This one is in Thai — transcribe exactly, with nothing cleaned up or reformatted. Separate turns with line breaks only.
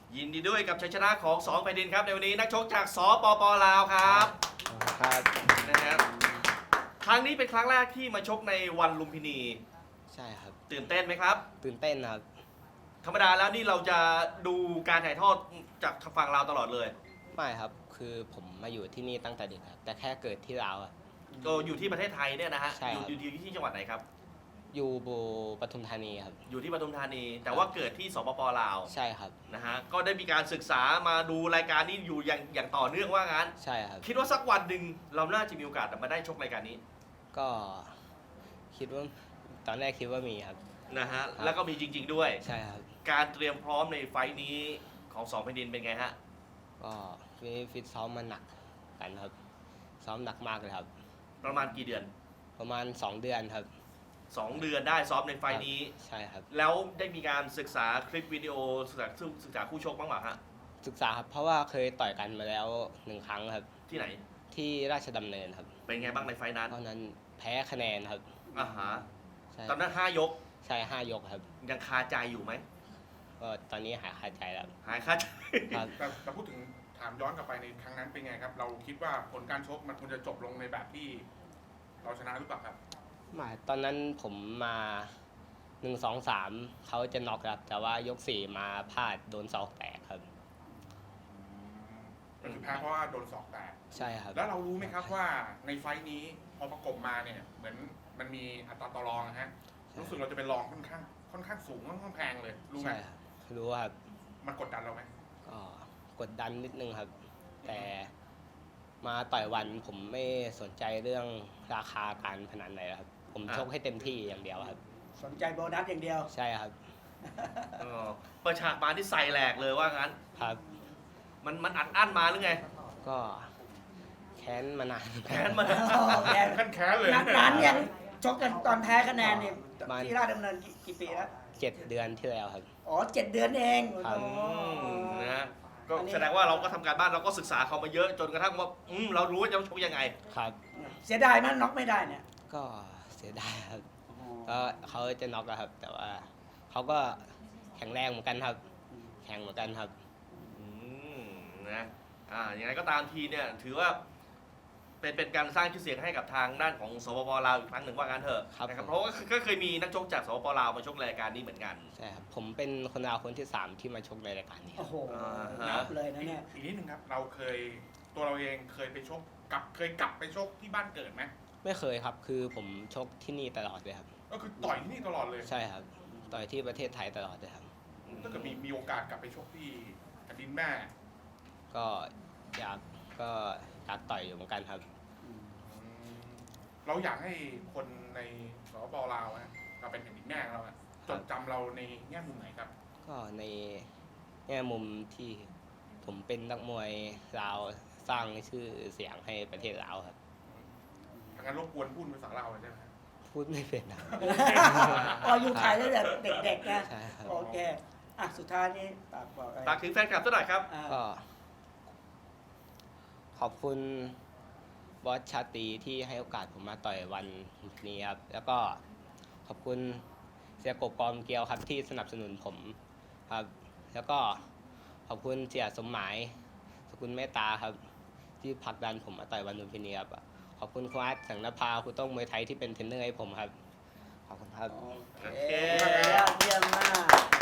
ยินดีด้วยกับชัยชนะของสองแผ่นดินครับในวันนี้นักชกจากสปปลาวครับ
ครับ
นะฮะครั้งนี้เป็นครั้งแรกที่มาชกในวันลุมพินี
ใช่ครับ
ตื่นเต้นไหมครับ
ตื่นเต้นครับ
ธรรมดาแล้วนี่เราจะดูการถ่ายทอดจากฝั่งลาวตลอดเลย
ไม่ครับคือผมมาอยู่ที่นี่ตั้งแต่เด็กครับแต่แค่เกิดที่ลาวครับ
ก็อยู่ที่ประเทศไทยเนี่ยนะฮะ
ใช่ครับ
อยู่ที่จังหวัดไหนครับ
อยู่บูปทุมธานีครับ
อยู่ที่ปทุมธานีแต่ว่าเกิดที่สปปลาว
ใช่ครับ
นะฮะก็ได้มีการศึกษามาดูรายการนี้อยู่อย่างอย่างต่อเนื่องว่างั้น
ใช่ครับ
คิดว่าสักวันหนึ่งเราน่าจะมีโอกาสมาได้ชกรายการนี้
ก็คิดว่าตอนแรกคิดว่ามีครับ
นะฮะแล้วก็มีจริงๆด้วย
ใช่ครับ
การเตรียมพร้อมในไฟล์นี้ของสองแผ่นดินเป็นไงฮะ
ก็ฟิฟิตซ้อมมาหนักกันครับซ้อมหนักมากเลยครับ
ประมาณกี่เดือน
ประมาณสองเดือนครับ
สองเดือนได้ซ้อมในไฟล์นี้
ใช่ครับ
แล้วได้มีการศึกษาคลิปวิดีโอศึกษาศึกษาคู่ชกบ้างไหมฮะ
ศึกษาครับเพราะว่าเคยต่อยกันมาแล้วหนึ่งครั้งครับ
ที่ไหน
ที่ราชดำเนินครับ
เป็นไงบ้างในไฟล์นั้น
ตอนนั้นแพ้คะแนนครับ
อ่าฮะตอนนั้นห้ายก
ใช่ห้ายกครับ
ยังคาใจอยู่ไหม
ก็ตอนนี้หายคาใจแล้ว
หายคาใจ
แต่แต่พูดถึงถามย้อนกลับไปในครั้งนั้นเป็นไงครับเราคิดว่าผลการชกมันควรจะจบลงในแบบที่เราชนะหรือเปล่าครับ
ไม่ตอนนั้นผมมาหนึ่งสองสามเขาจะน็อกครับแต่ว่ายกสี่มาพลาดโดนศอกแตกครับ
ก็คือแพ้เพราะว่าโดนศอกแตก
ใช่ครับ
แล้วเรารู้ไหมครับว่าในไฟท์นี้พอประกบมาเนี่ยเหมือนมันมีอัตราต่อรองนะฮะรู้สึกเราจะเป็นรองค่อนข้างค่อนข้างสูงค่อนข้างแพงเลยรู้ไหม
รู้ครับ
มันกดดันเราไหม
ก็กดดันนิดนึงครับแต่มาต่อยวันผมไม่สนใจเรื่องราคาการพนันเลยครับผมชกให้เต็มที่อย่างเดียวครับ
สนใจโบนัสอย่างเดียว
ใช่ครับ
เปิดฉากมาที่ใส่แหลกเลยว่างั้น
ครับ
มันมันอัดอั้นมาหรือไง
ก็แค้นมานาน
แค้นมา
แค้นแค้นเลย
นานยังชกกันตอนแพ้คะแนนเนี่ยที่ราชดำเนินกี่ปีแล้ว
เจ็ดเดือนที่แล้วครับ
อ๋อเจ็ดเดือนเอง
นะก็แสดงว่าเราก็ทำการบ้านเราก็ศึกษาเขามาเยอะจนกระทั่งว่าอืมเรารู้ว่าจะชกยังไง
ครับ
เสียดายมั้ยน็อกไม่ได้เนี่ย
ก็เสียดายครับก็เขาจะน็อกแล้วครับแต่ว่าเขาก็แข็งแรงเหมือนกันครับแข็งเหมือนกันครับ
อืมนะอ่าอย่างไรก็ตามทีเนี่ยถือว่าเป็นเป็นการสร้างชื่อเสียงให้กับทางด้านของสปปลาวอีกครั้งหนึ่งว่างั้นเถอะนะครับเพราะว่าก็เคยมีนักชกจากสปปลาวมาชกรายการนี้เหมือนกัน
ใช่ครับผมเป็นคนลาวคนที่สามที่มาชกในรายการนี้
โอ้โหนับเลยนะเนี่ย
อีกนิดนึงครับเราเคยตัวเราเองเคยไปชกกับเคยกลับไปชกที่บ้านเกิดไหม
ไม่เคยครับคือผมชกที่นี่ตลอดเลยครับ
ก็คือต่อยที่นี่ตลอดเลย
ใช่ครับต่อยที่ประเทศไทยตลอดเลยครับ
ถ้าเกิดมีมีโอกาสกลับไปชกที่แผ่นดินแม่
ก็อยากก็อยากต่อยอยู่เหมือนกันครับ
เราอยากให้คนในสปปลาวนะเราเป็นแผ่นดินแม่เราจดจำเราในแง่มุมไหนครับ
ก็ในแง่มุมที่ผมเป็นนักมวยลาวสร้างชื่อเสียงให้ประเทศลาวครับ
งั้นรบกวนพูดภาษาลาวใช่ไหม
พูดไม่เป็นนะ
อ๋ออยู่ไทยตั้งแต่เด็กๆนะ
ใช่ครับ
โอเคอ่ะสุดท้ายนี้ฝากบอกอะไร
ฝากถึงแฟนคลับสักหน่อยครับ
ก็ขอบคุณบอสชาตรีที่ให้โอกาสผมมาต่อยวันนี้ครับแล้วก็ขอบคุณเสียกบกอมเกียวครับที่สนับสนุนผมครับแล้วก็ขอบคุณเสียสมหมายสกุลเมตตาครับที่ผลักดันผมมาต่อยวันลุมพินีครับขอบคุณคุณอาร์ตสังนภาคุณต้องมวยไทยที่เป็นเทรนเนอร์ให้ผมครับขอบคุณครับ
โอเคเยี่ยมมาก